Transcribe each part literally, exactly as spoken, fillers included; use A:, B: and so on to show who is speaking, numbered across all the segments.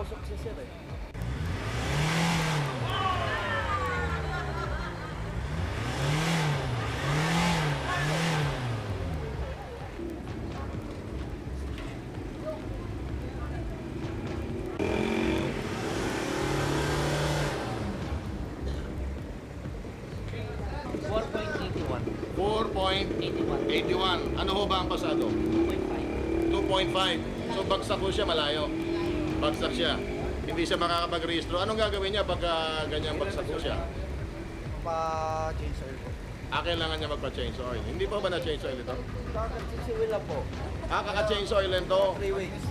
A: Nakausap si sir eh.
B: four point eight one.
C: four point eight one. Ano ho ba ang pasado?
B: two point five.
C: two point five. So bagsak ho siya, malayo. Bagsak siya. Hindi siya makakapag-rehistro. Anong gagawin niya pagka ganyan bagsak ho siya?
A: Pa-change oil po.
C: Ah, kailangan niya magpa-change oil. Hindi pa ba na-change oil ito?
A: Kaka-change oil lang po.
C: Ah, kaka-change oil lang to.
A: three weeks.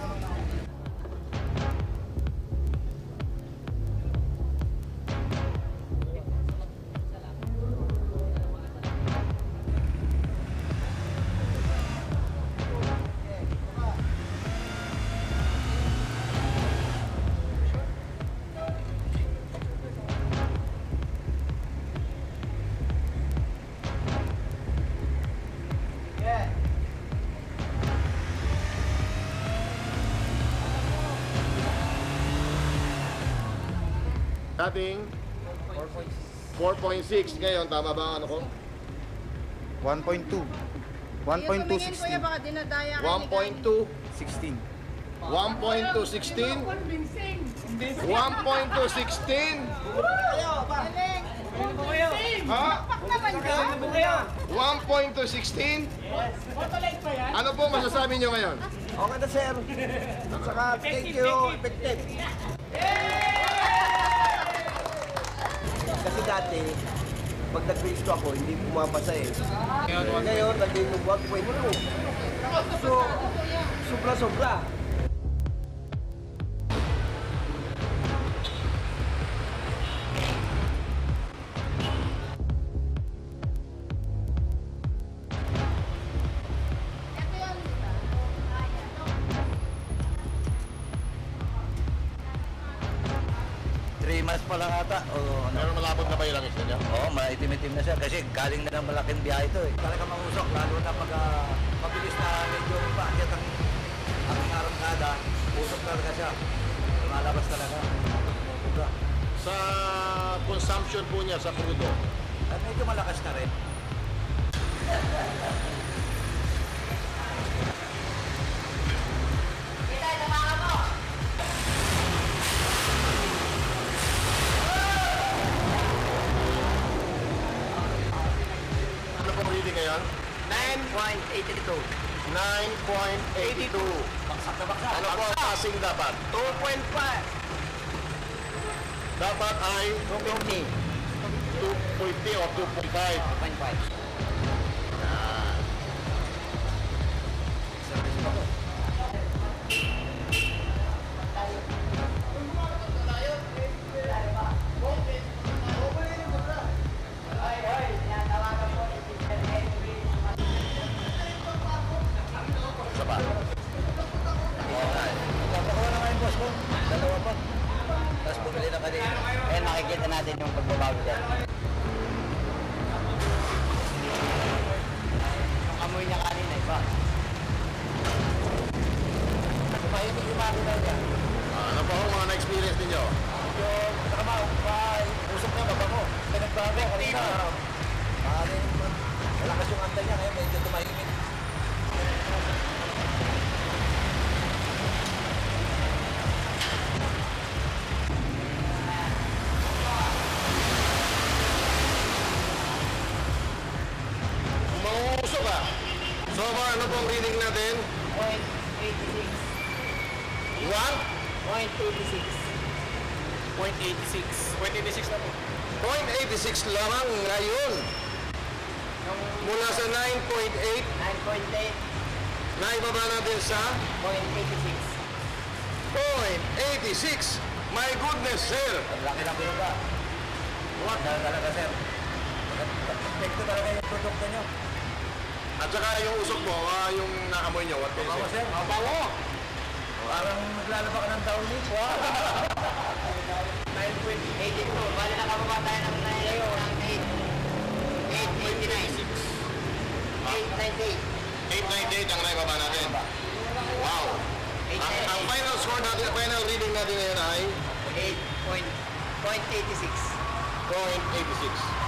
C: Dating
A: four point six.
C: four point six. Ngayon, tama ba ang ano ko?
A: one point two. one point two
D: Kuya,
A: sixteen.
D: baka dinadaya kayo
C: one
D: ni
C: point two.
A: sixteen.
C: one point two sixteen. one point two sixteen.
D: Galing.
C: Ha?
D: Pak naman ka.
C: one point two sixteen. Ano po masasabi niyo ngayon?
A: Okay na sir. At saka thank you, effective. Kasi dati, pag nag-reach ako, hindi pumapasa eh. Ngayon, naging one point two. So, sobra-sobra.
D: Ito yun, di ba?
E: three months pa lang ata. O ano?
C: Meron malabot na ba yung langis niya?
E: Oo, maitim-itim na siya kasi galing na ng malaking biyahe ito eh. Talaga mangusok, lalo na pag uh, mabilis na medyo paakyat ang ang arangkada, usok talaga siya. Lumalabas talaga. Puga.
C: Sa consumption po niya sa crudo,
E: At medyo malakas na rin.
C: ano pong reading ngayon?
E: nine point eight two.
C: nine point eight two.
E: Baksak na baksak.
C: Ano po ang passing dapat?
E: two point five.
C: Dapat ay
E: two fifty.
C: two point zero o two point five.
E: two point five.
C: Isa pa.
E: Papakuha na nga yung boss ko. Dalawa pa. Tapos bumili na kanina. Ngayon makikita natin yung pagbabago dyan. Yung amoy niya kanina, iba. Tumahimik yung makina niya.
C: Ah, ano po ang mga na-experience ninyo?
E: Yung trabaho, pa, usok na baba mo. Pinagbago kanina. Maaaring malakas yung anda niya ngayon, medyo tumahimik.
C: Mangusok ka. So far, ano pong reading natin?
B: Point eight six.
C: one
B: Point eight six. Point eight six. Point eight six na po.
C: point eight six lamang ngayon. Mula sa nine point eight,
B: nine point eight.
C: naibaba natin sa
B: Point eight six.
C: point eight six. My goodness, sir.
E: Ang laki ng binuga. What? Dahil talaga, sir. Epekto talaga yung produkto nyo.
C: At saka yung usok mo, ah, yung naamoy nyo, what can you
E: Bawa,
C: say?
E: sir. Bawa! Parang naglalaba ka ng taon nito. Wow!
B: nine point eight two. Bali nakababa tayo ng nine. Ng eight. eight eighty-nine. eight ninety-eight.
C: eight ninety-eight ang naibaba natin. Wow. Ang, ang final score natin final reading natin ngayon ay
B: eight point eight six.
C: point eight six.